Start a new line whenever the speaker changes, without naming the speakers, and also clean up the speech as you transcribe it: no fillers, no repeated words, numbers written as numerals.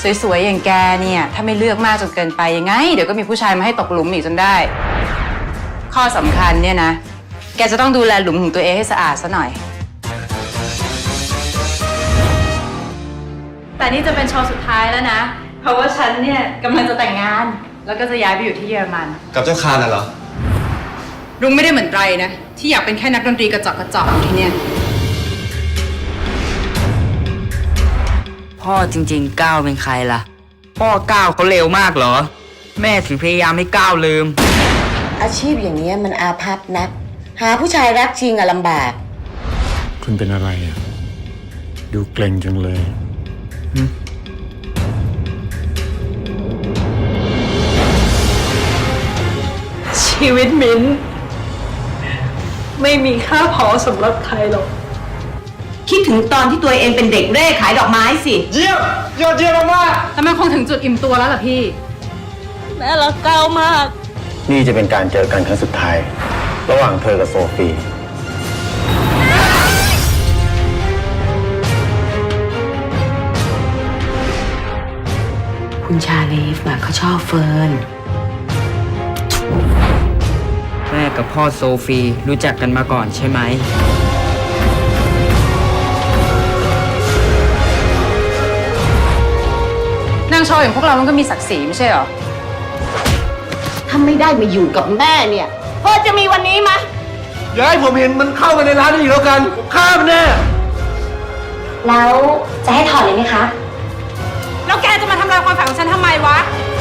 สวยๆอย่างแกเนี่ยถ้าไม่เลือกมากจนเกินไปยังไงเดี๋ยวก็มีผู้ชายมาให้ตกหลุมอีกจนได้ข้อสำคัญเนี่ยนะแกจะต้องดูแลหลุมของตัวเองให้สะอาดซะหน่อยแต่นี่จะเป็นโชว์สุดท้ายแล้วนะเพราะว่าฉันเนี่ยกำลังจะแต่งงานแล้วก็จะย้ายไปอยู่ที่เยอรมัน
กับเจ้าคานน่ะเหรอ
รุ้งไม่ได้เหมือนไรนะที่อยากเป็นแค่นักดนตรีกระจอกอยู่ที่เนี่ย
พ่อจริงๆก้าวเป็นใครล่ะพ่อก้าวเขาเร็วมากเหรอแม่ถึงพยายามให้ก้าวลืม
อาชีพอย่างนี้มันอาภัพนักหาผู้ชายรักจริงอะลำบาก
คุณเป็นอะไรอ่ะดูเกรงจังเลย
ชีวิตมิ้นไม่มีค่าพอสำหรับใครหรอกคิดถึงตอนที่ตัวเองเป็นเด็กเร่ขายดอกไม้สิ
เยี่ยมยอดเยี่ยมมาก
แต่มันคงถึงจุดอิ่มตัวแล้วล่ะพี่
แม่รักก้าวมาก
นี่จะเป็นการเจอกันครั้งสุดท้ายระหว่างเธอกับโซฟี
คุณชาลีฟเขาชอบเฟิร์น
แม่กับพ่อโซฟีรู้จักกันมาก่อนใช่ไหม
นางโชว์อย่างพวกเรามันก็มีศักดิ์ศรีไม่ใช่เหรอ
ถ้าไม่ได้มาอยู่กับแม่เนี่ยพ่อจะมีวันนี้ไหม
อย่าให้ผมเห็นมันเข้ามาในร้านนี้อีกแล้วกันฆ่ามันแน่
แล้วจะให้ถอดเลยไหมคะ
แล้วแกจะมาทำลายความฝันของฉันทำไมวะ